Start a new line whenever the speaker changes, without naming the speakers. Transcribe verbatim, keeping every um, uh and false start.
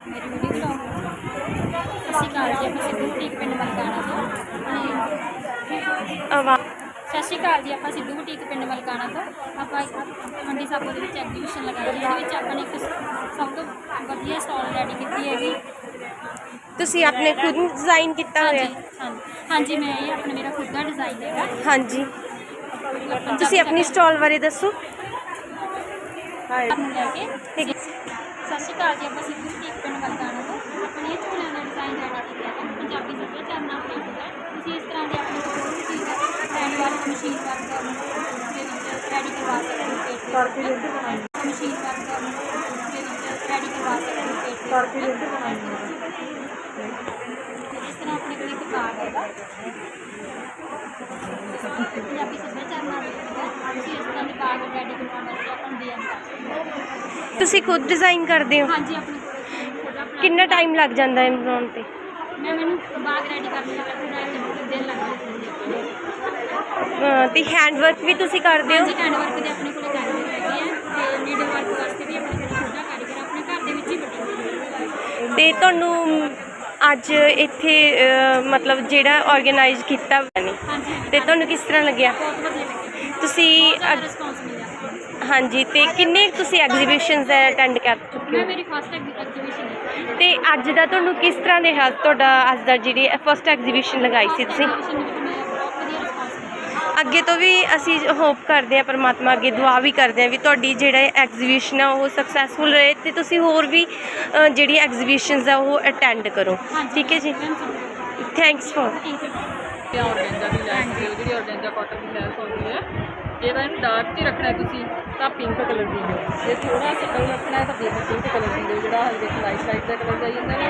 मेरी video blog सत श्रीकाल जी। आप सिद्धू बुटीक पिंड मलकाना तो सत श्रीकाल जी। आप सिद्धू बुटीक पिंड मलकाना तो आप मंडी साबो के एग्जीबिशन लगाई है। ये अपने एक सब तो वधिया स्टॉल रेडी की हैगी।
ਤੁਸੀਂ ਆਪਣੇ खुद डिजाइन किया
हाँ
होया?
जी हाँ हाँ जी मैं ये अपने मेरा खुद का डिजाइन है।
हाँ जी ਤੁਸੀਂ अपनी स्टॉल बारे दसो।
लैके सत श्रीकाल जी। आप सिद्धू बुटीक पिंड मलकाना तो अपने झोलियां का डिजाइन रेडी किया है। पंजाबी सभ्याचार नाल रिलेटेड है। तुसीं इस तरह के अपने कोई भी चीज़ hand work machine work ready करवा सकते हो। मशीन वर्क रेडी करवा सकते हो। इस तरह अपने को एक कार्ड है पंजाबी सभ्याचार नाल रिलेटेड है। तुसीं इस तरह के कार्ड रेडी करवाउण वास्ते आपां नूं डीएम कर सकते हो।
ਤੁਸੀਂ खुद डिजाइन करते हो?
हाँ जी अपने खुद अपना
कितना टाइम लग जाता है बनाने पे?
मैं मैंने बाग रेडी करने लगा पूरा दिन लग
ਅਹ ਤੇ ਹੈਂਡ ਵਰਕ ਵੀ ਤੁਸੀਂ ਕਰਦੇ
हाँ
ਹੋ?
जी हैंड वर्क के अपने को कारीगर हैगे है ते नीडल वर्क वास्ते भी अपने कोल खुद कारीगर अपने घर दे विच ही बटी।
ਤੇ ਤੁਹਾਨੂੰ ਅੱਜ ਇੱਥੇ ਅਹ ਮਤਲਬ ਜਿਹੜਾ ਆਰਗੇਨਾਈਜ਼ ਕੀਤਾ ਹੋਇਆ ਨੇ
हाँ जी
ਤੇ ਤੁਹਾਨੂੰ ਕਿਸ ਤਰ੍ਹਾਂ ਲੱਗਿਆ?
बहुत वधिया लगे।
ਤੁਸੀਂ
बहुत रिस्पॉन्स मिला।
ਹਾਂਜੀ ਤੇ ਕਿੰਨੇ ਤੁਸੀਂ ਐਗਜ਼ੀਬਿਸ਼ਨਸ ਅਟੈਂਡ ਕਰ ਚੁੱਕੇ
मैं
ਹੋ?
मेरी फर्स्ट एग्जीबिशन है।
ਤੇ ਅੱਜ ਦਾ ਤੁਹਾਨੂੰ ਕਿਸ ਤਰ੍ਹਾਂ ਦੇ ਹਾਲ ਤੁਹਾਡਾ ਅੱਜ ਦਾ ਜਿਹੜੀ ਫਸਟ ਐਗਜ਼ੀਬਿਸ਼ਨ ਲਗਾਈ ਸੀ ਤੁਸੀਂ?
एग्जीबिशन में मैं बहुत वधिया रिस्पॉन्स मिला।
ਅੱਗੇ ਤੋਂ ਵੀ ਅਸੀਂ ਹੋਪ ਕਰਦੇ ਹਾਂ ਪਰਮਾਤਮਾ ਅੱਗੇ ਦੁਆ ਵੀ ਕਰਦੇ ਹਾਂ ਵੀ ਤੁਹਾਡੀ ਜਿਹੜਾ ਐਗਜ਼ੀਬਿਸ਼ਨ ਆ ਉਹ ਸਕਸੈਸਫੁਲ ਰਹੇ ਤੇ ਤੁਸੀਂ ਹੋਰ ਵੀ ਅ, ਜਿਹੜੀ ਐਗਜ਼ੀਬਿਸ਼ਨਸ ਆ ਉਹ ਅਟੈਂਡ ਕਰੋ।
हाँ जी
ਠੀਕ ਹੈ ਜੀ, thanks for.
Thank you.
Organza ਦੀ ਲੈਸ ਹੁੰਦੀ ਹੈ, ਜਿਹੜੀ ਔਰਗੈਂਜਾ ਕਾਟਨ ਦੀ ਲੈਸ ਹੁੰਦੀ ਹੈ। ਜੇ ਤਾਂ ਇਹਨੂੰ ਡਾਰਕ 'ਚ ਹੀ ਰੱਖਣਾ ਤੁਸੀਂ ਤਾਂ ਪਿੰਕ ਕਲਰ ਦੀ ਦਿਓ, ਜੇ ਥੋੜਾ ਸਟਲ ਰੱਖਣਾ ਹੈ ਤਾਂ ਬੇਬੀ ਪਿੰਕ ਕਲਰ ਦੀ ਦਿਓ। ਜਿਹੜਾ ਹਲਕੇ ਲਾਈਟ ਲਾਈਟ ਦਾ ਕਲਰ ਜਾਈ ਜਾਂਦਾ